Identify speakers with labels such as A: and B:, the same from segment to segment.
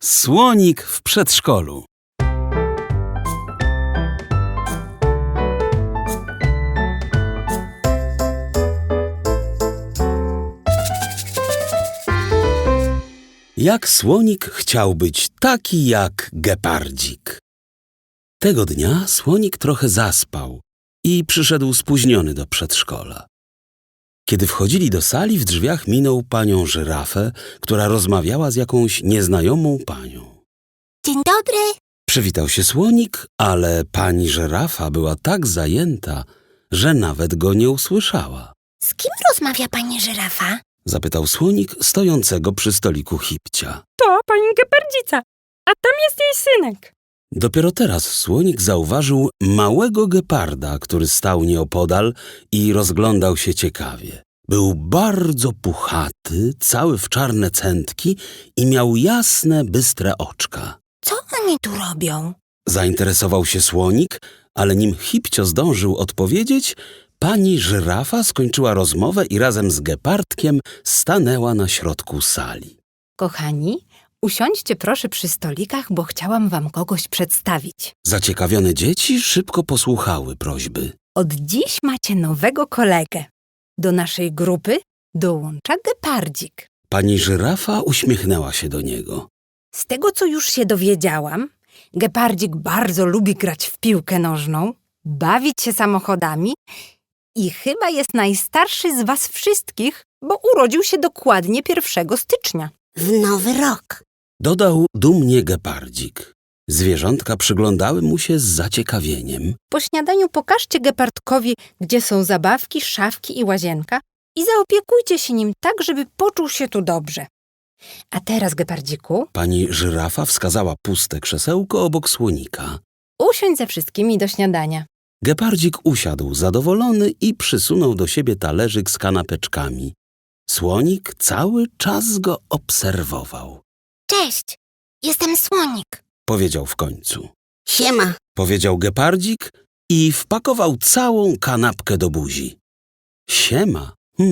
A: Słonik w przedszkolu. Jak słonik chciał być taki jak gepardzik. Tego dnia słonik trochę zaspał i przyszedł spóźniony do przedszkola. Kiedy wchodzili do sali, w drzwiach minął panią żyrafę, która rozmawiała z jakąś nieznajomą panią.
B: Dzień dobry.
A: Przywitał się słonik, ale pani żyrafa była tak zajęta, że nawet go nie usłyszała.
B: Z kim rozmawia pani żyrafa?
A: Zapytał słonik stojącego przy stoliku Hipcia.
C: To pani gepardzica, a tam jest jej synek.
A: Dopiero teraz słonik zauważył małego geparda, który stał nieopodal i rozglądał się ciekawie. Był bardzo puchaty, cały w czarne cętki i miał jasne, bystre oczka.
B: Co oni tu robią?
A: Zainteresował się słonik, ale nim Hipcio zdążył odpowiedzieć, pani żyrafa skończyła rozmowę i razem z gepardkiem stanęła na środku sali.
C: Kochani, usiądźcie proszę przy stolikach, bo chciałam wam kogoś przedstawić.
A: Zaciekawione dzieci szybko posłuchały prośby.
C: Od dziś macie nowego kolegę. Do naszej grupy dołącza gepardzik.
A: Pani żyrafa uśmiechnęła się do niego.
C: Z tego, co już się dowiedziałam, gepardzik bardzo lubi grać w piłkę nożną, bawić się samochodami i chyba jest najstarszy z was wszystkich, bo urodził się dokładnie 1 stycznia.
B: W nowy rok.
A: Dodał dumnie gepardzik. Zwierzątka przyglądały mu się z zaciekawieniem.
C: Po śniadaniu pokażcie gepardkowi, gdzie są zabawki, szafki i łazienka i zaopiekujcie się nim tak, żeby poczuł się tu dobrze. A teraz, gepardziku,
A: Pani żyrafa wskazała puste krzesełko obok słonika.
C: usiądź ze wszystkimi do śniadania.
A: Gepardzik usiadł zadowolony i przysunął do siebie talerzyk z kanapeczkami. Słonik cały czas go obserwował.
B: Cześć, jestem słonik.
A: Powiedział w końcu.
B: Siema.
A: Powiedział gepardzik i wpakował całą kanapkę do buzi. Siema.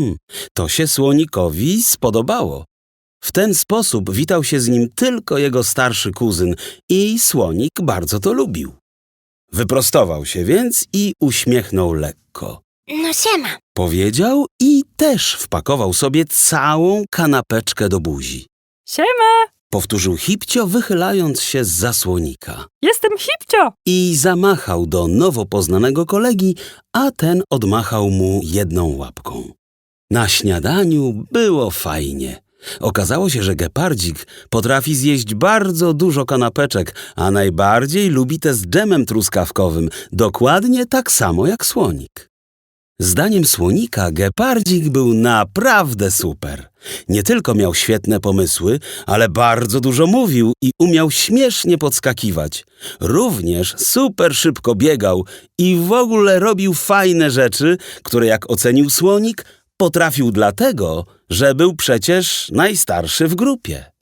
A: To się słonikowi spodobało. W ten sposób witał się z nim tylko jego starszy kuzyn i słonik bardzo to lubił. Wyprostował się więc i uśmiechnął lekko.
B: No siema.
A: Powiedział i też wpakował sobie całą kanapeczkę do buzi.
C: Siema,
A: Powtórzył Hipcio, wychylając się zza słonika.
C: jestem Hipcio.
A: I zamachał do nowo poznanego kolegi, a ten odmachał mu jedną łapką. Na śniadaniu było fajnie. Okazało się, że gepardzik potrafi zjeść bardzo dużo kanapeczek, a najbardziej lubi te z dżemem truskawkowym, dokładnie tak samo jak słonik. Zdaniem słonika gepardzik był naprawdę super. Nie tylko miał świetne pomysły, ale bardzo dużo mówił i umiał śmiesznie podskakiwać. Również super szybko biegał i w ogóle robił fajne rzeczy, które jak ocenił słonik, potrafił dlatego, że był przecież najstarszy w grupie.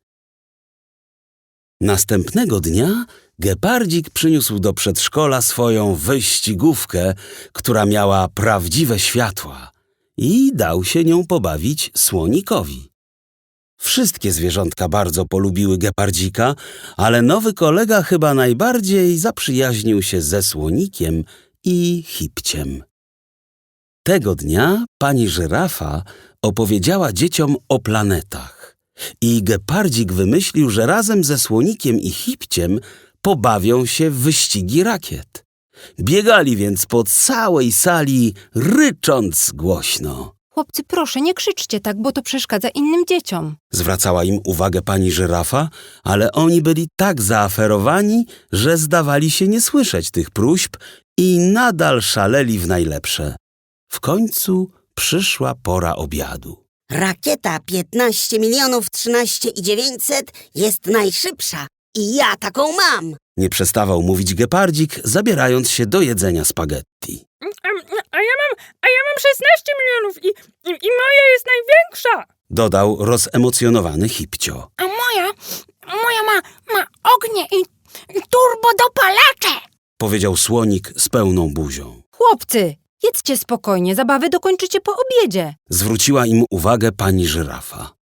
A: Następnego dnia gepardzik przyniósł do przedszkola swoją wyścigówkę, która miała prawdziwe światła i dał się nią pobawić słonikowi. Wszystkie zwierzątka bardzo polubiły gepardzika, ale nowy kolega chyba najbardziej zaprzyjaźnił się ze słonikiem i Hipciem. Tego dnia pani żyrafa opowiedziała dzieciom o planetach i gepardzik wymyślił, że razem ze słonikiem i Hipciem pobawią się w wyścigi rakiet. Biegali więc po całej sali, rycząc głośno.
C: Chłopcy, proszę, nie krzyczcie tak, bo to przeszkadza innym dzieciom.
A: Zwracała im uwagę pani żyrafa, ale oni byli tak zaaferowani, że zdawali się nie słyszeć tych próśb i nadal szaleli w najlepsze. W końcu przyszła pora obiadu.
B: Rakieta 15 13 900 jest najszybsza i ja taką mam.
A: Nie przestawał mówić gepardzik, zabierając się do jedzenia spaghetti.
C: A ja mam 16 milionów i moja jest największa.
A: Dodał rozemocjonowany Hipcio.
B: A moja ma ognie i turbodopalacze.
A: Powiedział słonik z pełną buzią.
C: Chłopcy, jedzcie spokojnie, zabawy dokończycie po obiedzie.
A: Zwróciła im uwagę pani żyrafa.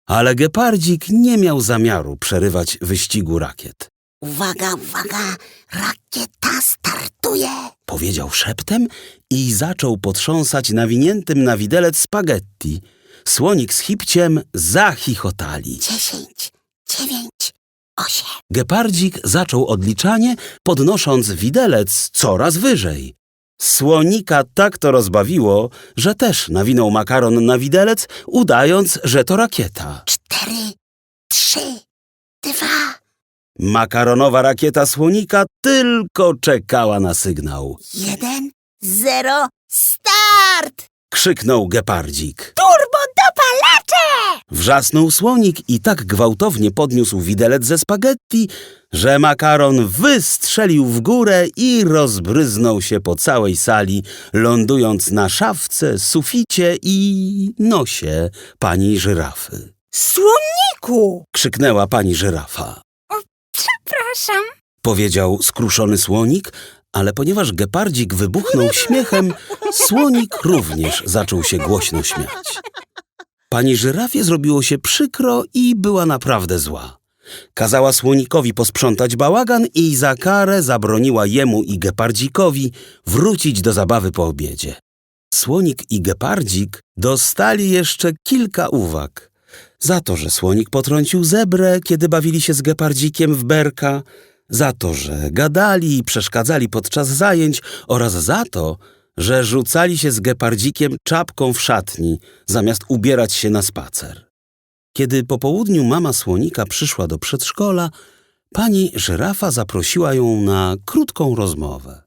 A: Ale Gepardzik nie miał zamiaru przerywać wyścigu rakiet.
B: Uwaga, uwaga, rakieta startuje.
A: Powiedział szeptem i zaczął potrząsać nawiniętym na widelec spaghetti. Słonik z Hipciem zachichotali.
B: 10, 9, 8.
A: Gepardzik zaczął odliczanie, podnosząc widelec coraz wyżej. Słonika tak to rozbawiło, że też nawinął makaron na widelec, udając, że to rakieta.
B: 4, 3, 2.
A: Makaronowa rakieta Słonika tylko czekała na sygnał.
B: 1, 0, start!
A: Krzyknął Gepardzik.
B: Turbodopalacze!
A: Wrzasnął Słonik i tak gwałtownie podniósł widelec ze spaghetti, że makaron wystrzelił w górę i rozbryznął się po całej sali, lądując na szafce, suficie i nosie pani żyrafy.
C: Słoniku!
A: Krzyknęła pani żyrafa.
C: Przepraszam.
A: Powiedział skruszony Słonik, ale ponieważ Gepardzik wybuchnął śmiechem, Słonik również zaczął się głośno śmiać. Pani żyrafie zrobiło się przykro i była naprawdę zła. Kazała Słonikowi posprzątać bałagan i za karę zabroniła jemu i Gepardzikowi wrócić do zabawy po obiedzie. Słonik i Gepardzik dostali jeszcze kilka uwag. Za to, że Słonik potrącił zebrę, kiedy bawili się z Gepardzikiem w berka, za to, że gadali i przeszkadzali podczas zajęć oraz za to, że rzucali się z Gepardzikiem czapką w szatni, zamiast ubierać się na spacer. Kiedy po południu mama Słonika przyszła do przedszkola, pani żyrafa zaprosiła ją na krótką rozmowę.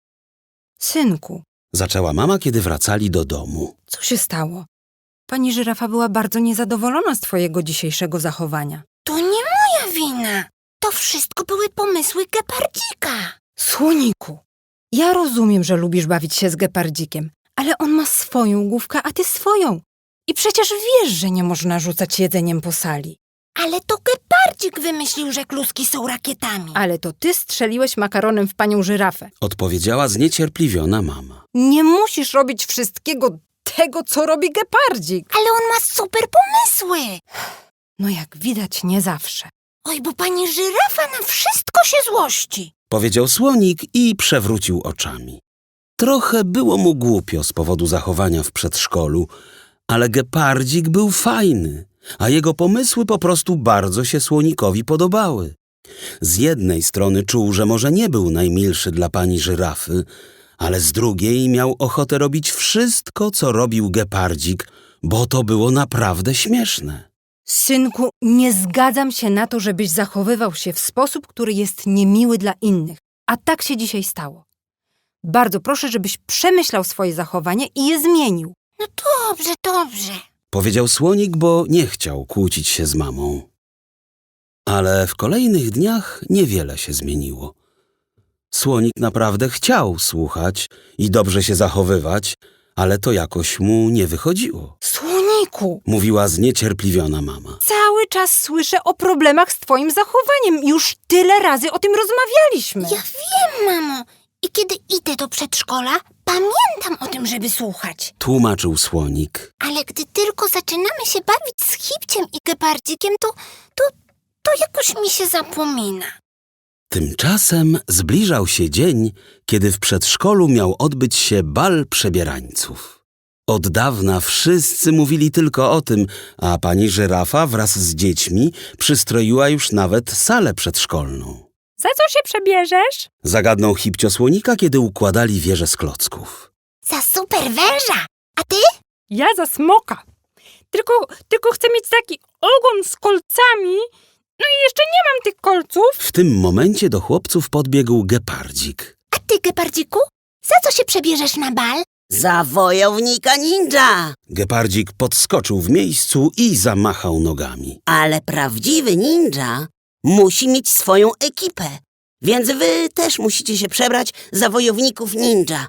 C: Synku,
A: Zaczęła mama, kiedy wracali do domu.
C: co się stało? Pani żyrafa była bardzo niezadowolona z twojego dzisiejszego zachowania.
B: To nie moja wina. To wszystko były pomysły Gepardzika.
C: Słoniku, ja rozumiem, że lubisz bawić się z Gepardzikiem, ale on ma swoją główkę, a ty swoją. I przecież wiesz, że nie można rzucać jedzeniem po sali.
B: Ale to Gepardzik wymyślił, że kluski są rakietami.
C: Ale to ty strzeliłeś makaronem w panią żyrafę.
A: Odpowiedziała zniecierpliwiona mama.
C: Nie musisz robić wszystkiego tego, co robi Gepardzik.
B: Ale on ma super pomysły.
C: No jak widać, nie zawsze.
B: Oj, bo pani żyrafa na wszystko się złości.
A: Powiedział Słonik i przewrócił oczami. Trochę było mu głupio z powodu zachowania w przedszkolu, ale Gepardzik był fajny, a jego pomysły po prostu bardzo się Słonikowi podobały. Z jednej strony czuł, że może nie był najmilszy dla pani żyrafy, ale z drugiej miał ochotę robić wszystko, co robił Gepardzik, bo to było naprawdę śmieszne.
C: Synku, nie zgadzam się na to, żebyś zachowywał się w sposób, który jest niemiły dla innych. A tak się dzisiaj stało. Bardzo proszę, żebyś przemyślał swoje zachowanie i je zmienił.
B: No dobrze, dobrze.
A: Powiedział Słonik, bo nie chciał kłócić się z mamą. Ale w kolejnych dniach niewiele się zmieniło. Słonik naprawdę chciał słuchać i dobrze się zachowywać, ale to jakoś mu nie wychodziło.
C: Słoniku,
A: Mówiła zniecierpliwiona mama.
C: cały czas słyszę o problemach z twoim zachowaniem. Już tyle razy o tym rozmawialiśmy.
B: Ja wiem, mamo. I kiedy idę do przedszkola, pamiętam o tym, żeby słuchać.
A: Tłumaczył Słonik.
B: Ale gdy tylko zaczynamy się bawić z Hipciem i Gepardzikiem, to jakoś mi się zapomina.
A: Tymczasem zbliżał się dzień, kiedy w przedszkolu miał odbyć się bal przebierańców. Od dawna wszyscy mówili tylko o tym, a pani żyrafa wraz z dziećmi przystroiła już nawet salę przedszkolną.
C: Za co się przebierzesz?
A: Zagadnął Hipcio Słonika, kiedy układali wieże z klocków.
B: Za super węża. A ty?
C: Ja za smoka. Tylko chcę mieć taki ogon z kolcami. No i jeszcze nie mam tych kolców.
A: W tym momencie do chłopców podbiegł Gepardzik.
B: A ty, Gepardziku? Za co się przebierzesz na bal? Za wojownika ninja.
A: Gepardzik podskoczył w miejscu i zamachał nogami.
B: Ale prawdziwy ninja musi mieć swoją ekipę. Więc wy też musicie się przebrać za wojowników ninja.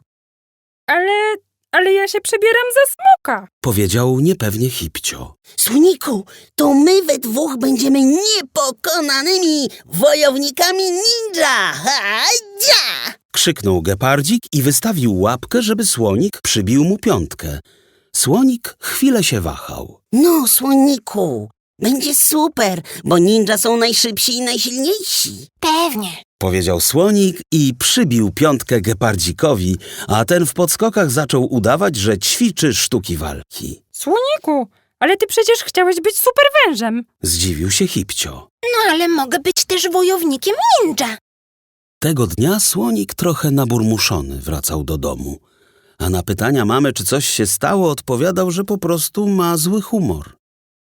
C: Ale ja się przebieram za smoka.
A: Powiedział niepewnie Hipcio.
B: Słoniku, to my we dwóch będziemy niepokonanymi wojownikami ninja. Ha-ja!
A: Krzyknął Gepardzik i wystawił łapkę, żeby Słonik przybił mu piątkę. Słonik chwilę się wahał.
B: No, Słoniku, Będzie super, bo ninja są najszybsi i najsilniejsi.
D: Pewnie.
A: Powiedział słonik i przybił piątkę gepardzikowi, a ten w podskokach zaczął udawać, że ćwiczy sztuki walki.
C: Słoniku, ale ty przecież chciałeś być superwężem.
A: Zdziwił się Hipcio.
D: No ale mogę być też wojownikiem ninja.
A: Tego dnia słonik trochę naburmuszony wracał do domu, a na pytania mamy, czy coś się stało, odpowiadał, że po prostu ma zły humor.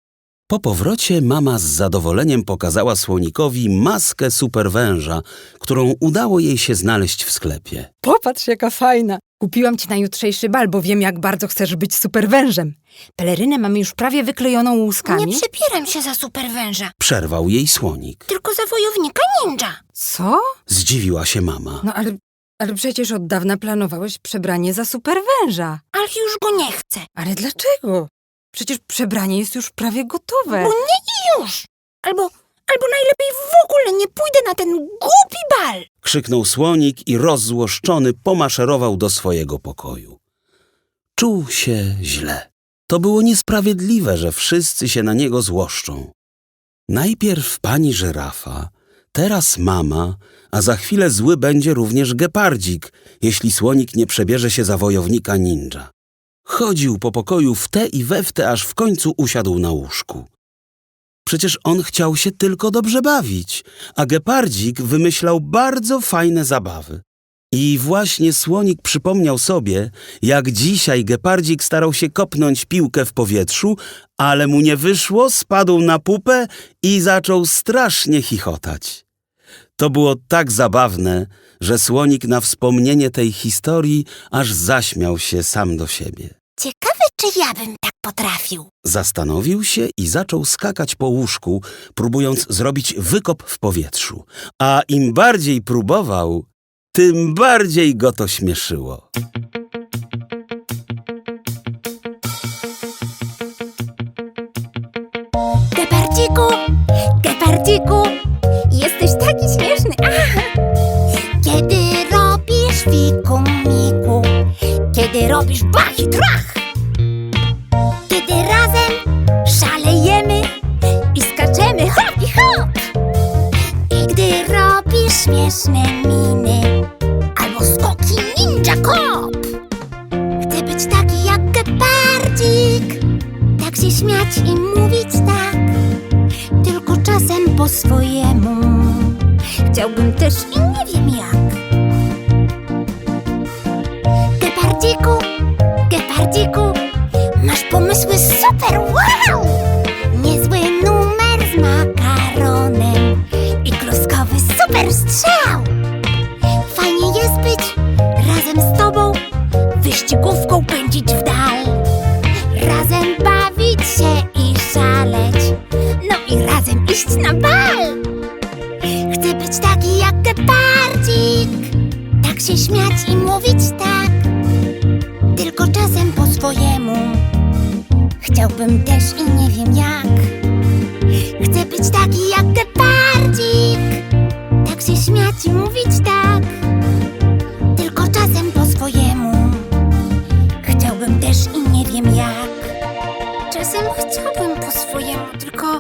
A: Po powrocie mama z zadowoleniem pokazała słonikowi maskę superwęża, którą udało jej się znaleźć w sklepie.
C: Popatrz, jaka fajna. Kupiłam ci na jutrzejszy bal, bo wiem, jak bardzo chcesz być superwężem. Pelerynę mamy już prawie wyklejoną łuskami.
D: Nie przebieram się za superwęża,
A: Przerwał jej słonik.
D: tylko za wojownika ninja.
C: Co?
A: Zdziwiła się mama.
C: No ale przecież od dawna planowałeś przebranie za superwęża.
D: Ale już go nie chcę.
C: Ale dlaczego? Przecież przebranie jest już prawie gotowe.
D: Bo nie i już. Albo najlepiej w ogóle nie pójdę na ten głupi bal.
A: Krzyknął słonik i rozzłoszczony pomaszerował do swojego pokoju. Czuł się źle. To było niesprawiedliwe, że wszyscy się na niego złoszczą. Najpierw pani żyrafa, teraz mama, a za chwilę zły będzie również gepardzik, jeśli słonik nie przebierze się za wojownika ninja. Chodził po pokoju w te i we w te, aż w końcu usiadł na łóżku. Przecież on chciał się tylko dobrze bawić, a gepardzik wymyślał bardzo fajne zabawy. I właśnie słonik przypomniał sobie, jak dzisiaj gepardzik starał się kopnąć piłkę w powietrzu, ale mu nie wyszło, spadł na pupę i zaczął strasznie chichotać. To było tak zabawne, że słonik na wspomnienie tej historii aż zaśmiał się sam do siebie.
D: Ciekawe, czy ja bym tak potrafił.
A: Zastanowił się i zaczął skakać po łóżku, próbując zrobić wykop w powietrzu. A im bardziej próbował, tym bardziej go to śmieszyło.
D: Gepardziku, Gepardziku, jesteś taki śmieszny. Kiedy robisz fiku miku, kiedy robisz bach i trach, kiedy razem szalejemy i skaczemy hop i hop, i gdy robisz śmieszne miny albo skoki ninja kop. Chcę być taki jak gepardzik, tak się śmiać i mówić tak, tylko czasem po swojemu. Chciałbym też i nie wiem jak. Gepardziku, Gepardziku, masz pomysły super, wow! Niezły numer z makaronem i kluskowy super strzał. Fajnie jest być razem z tobą, wyścigówką pędzić w dal, razem bawić się i szaleć, no i razem iść na bal. Chcę być taki jak gepardzik, tak się śmiać i mówić tak, tylko czasem po swojemu. Chciałbym też i nie wiem jak. Chcę być taki jak gepardzik, tak się śmiać i mówić tak, tylko czasem po swojemu. Chciałbym też i nie wiem jak. Czasem chciałbym po swojemu, tylko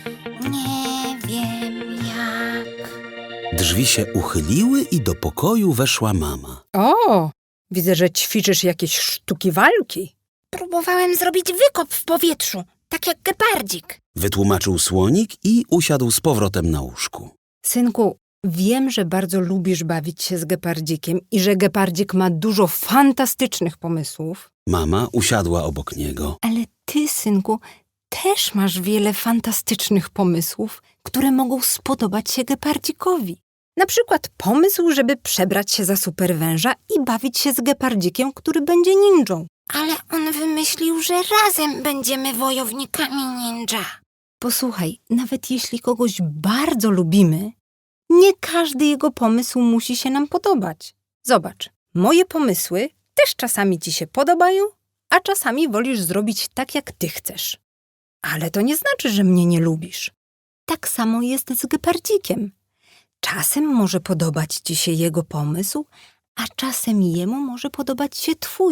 D: nie wiem jak.
A: Drzwi się uchyliły i do pokoju weszła mama.
C: O, widzę, że ćwiczysz jakieś sztuki walki.
D: Próbowałem zrobić wykop w powietrzu, tak jak gepardzik.
A: Wytłumaczył słonik i usiadł z powrotem na łóżku.
C: Synku, wiem, że bardzo lubisz bawić się z gepardzikiem i że gepardzik ma dużo fantastycznych pomysłów,
A: Mama usiadła obok niego.
C: ale ty, synku, też masz wiele fantastycznych pomysłów, które mogą spodobać się gepardzikowi. Na przykład pomysł, żeby przebrać się za superwęża i bawić się z gepardzikiem, który będzie ninją.
D: Ale on wymyślił, że razem będziemy wojownikami ninja.
C: Posłuchaj, nawet jeśli kogoś bardzo lubimy, nie każdy jego pomysł musi się nam podobać. Zobacz, moje pomysły też czasami ci się podobają, a czasami wolisz zrobić tak, jak ty chcesz. Ale to nie znaczy, że mnie nie lubisz. Tak samo jest z gepardzikiem. Czasem może podobać ci się jego pomysł, a czasem jemu może podobać się twój.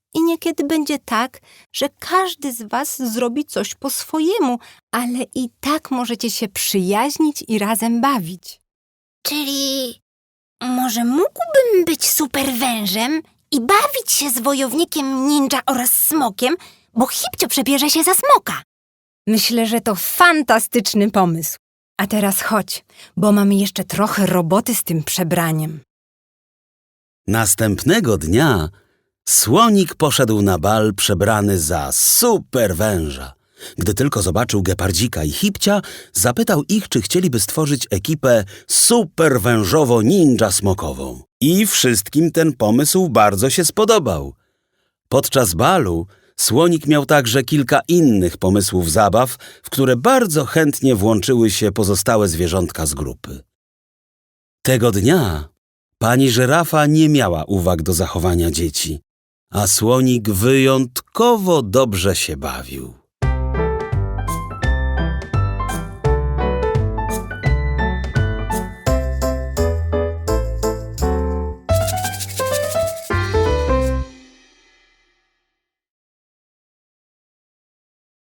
C: I niekiedy będzie tak, że każdy z was zrobi coś po swojemu, ale i tak możecie się przyjaźnić i razem bawić.
D: Czyli może mógłbym być super wężem i bawić się z wojownikiem ninja oraz smokiem, bo Hipcio przebierze się za smoka.
C: Myślę, że to fantastyczny pomysł. A teraz chodź, bo mamy jeszcze trochę roboty z tym przebraniem.
A: Następnego dnia Słonik poszedł na bal przebrany za super węża. Gdy tylko zobaczył Gepardzika i Hipcia, zapytał ich, czy chcieliby stworzyć ekipę super wężowo ninja smokową. I wszystkim ten pomysł bardzo się spodobał. Podczas balu Słonik miał także kilka innych pomysłów zabaw, w które bardzo chętnie włączyły się pozostałe zwierzątka z grupy. Tego dnia pani żyrafa nie miała uwag do zachowania dzieci, a Słonik wyjątkowo dobrze się bawił.